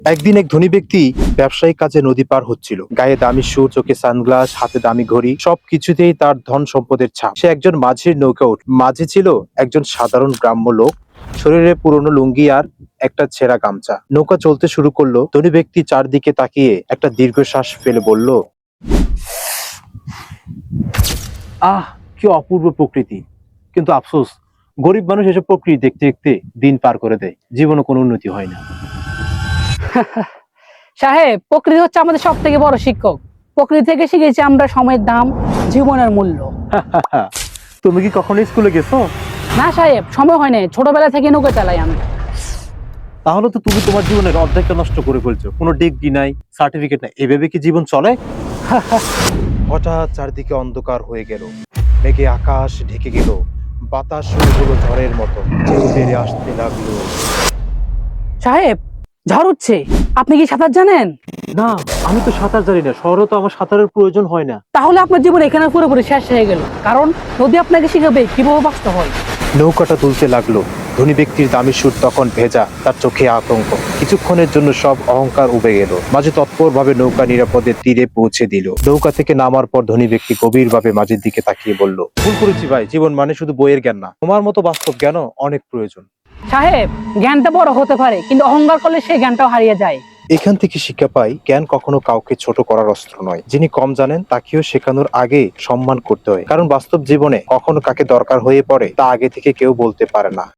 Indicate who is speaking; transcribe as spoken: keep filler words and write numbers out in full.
Speaker 1: একদিন এক ধনী ব্যক্তি ব্যবসায়িক কাজে নদী পার হচ্ছিল। গায়ে দামি শু, চোখে সানগ্লাস, হাতে দামি ঘড়ি, সবকিছুতেই তার ধন সম্পদের ছাপ। সে একজন মাঝির নৌকা উঠ মাঝি ছিল একজন সাধারণ গ্রাম্য লোক, শরীরে পুরনো লুঙ্গি আর একটা ছেঁড়া গামছা। নৌকা চলতে শুরু করলো। ধনী ব্যক্তি চারদিকে তাকিয়ে একটা দীর্ঘশ্বাস ফেলে বলল, আহ, কি অপূর্ব প্রকৃতি। কিন্তু আফসোস, গরিব মানুষ এসব প্রকৃতি দেখতে দেখতে দিন পার করে দেয়, জীবনে কোনো উন্নতি হয় না।
Speaker 2: সাহেব, প্রকৃতি হচ্ছে আমাদের সব থেকে বড় শিক্ষক। প্রকৃতি থেকে শিখেছি আমরা সময়ের দাম, জীবনের মূল্য।
Speaker 1: তুমি কি কখনো স্কুলে গেছো?
Speaker 2: না সাহেব, সময় হয় না, ছোটবেলা থেকে নৌকা চালাই আমি।
Speaker 1: তাহলে তো তুমি তোমার জীবনের অর্ধেকটা নষ্ট করে ফেলছো। কোনো ডিগ্রি নাই, সার্টিফিকেট নাই, এভাবে কি জীবন চলে? হঠাৎ চারদিকে অন্ধকার হয়ে গেল। মেঘে আকাশ ঢেকে গেল, বাতাস শুরু হলো ঝড়ের মতো, ঢেউ বেড়ে আসতে লাগলো।
Speaker 2: সাহেব, ঝড় উঠছে, আপনি কি সাঁতার জানেন?
Speaker 1: না, আমি তো সাঁতার জানি না। শহরে তো আমার সাঁতারের প্রয়োজন হয় না।
Speaker 2: তাহলে আপনার জীবন এখানে পুরোপুরি শেষ হয়ে গেল, কারণ নদী আপনাকে শিখাবে কিভাবে বাঁচতে হয়।
Speaker 1: নৌকাটা তুলতে লাগলো। ধনী ব্যক্তির দামি সুর তখন ভেজা, তার চোখে আতঙ্ক। কিছুক্ষণের জন্য সব অহংকার উবে গেল। মাঝি তৎপর ভাবে নৌকা নিরাপদে তীরে পৌঁছে দিল। নৌকা থেকে নামার পর ধনী ব্যক্তি গভীর ভাবে মাঝির দিকে তাকিয়ে বলল, ভুল করেছি ভাই, জীবন মানে শুধু বইয়ের জ্ঞান না, তোমার মতো বাস্তব জ্ঞানও অনেক প্রয়োজন।
Speaker 2: সাহেব, জ্ঞানটা বড় হতে পারে, কিন্তু অহংকার করলে সেই জ্ঞানটাও হারিয়ে যায়।
Speaker 1: এখান থেকে শিক্ষা পাই, জ্ঞান কখনো কাউকে ছোট করার অস্ত্র নয়। যিনি কম জানেন তাকেও শেখানোর আগে সম্মান করতে হয়, কারণ বাস্তব জীবনে কখনো কাকে দরকার হয়ে পড়ে তা আগে থেকে কেউ বলতে পারে না।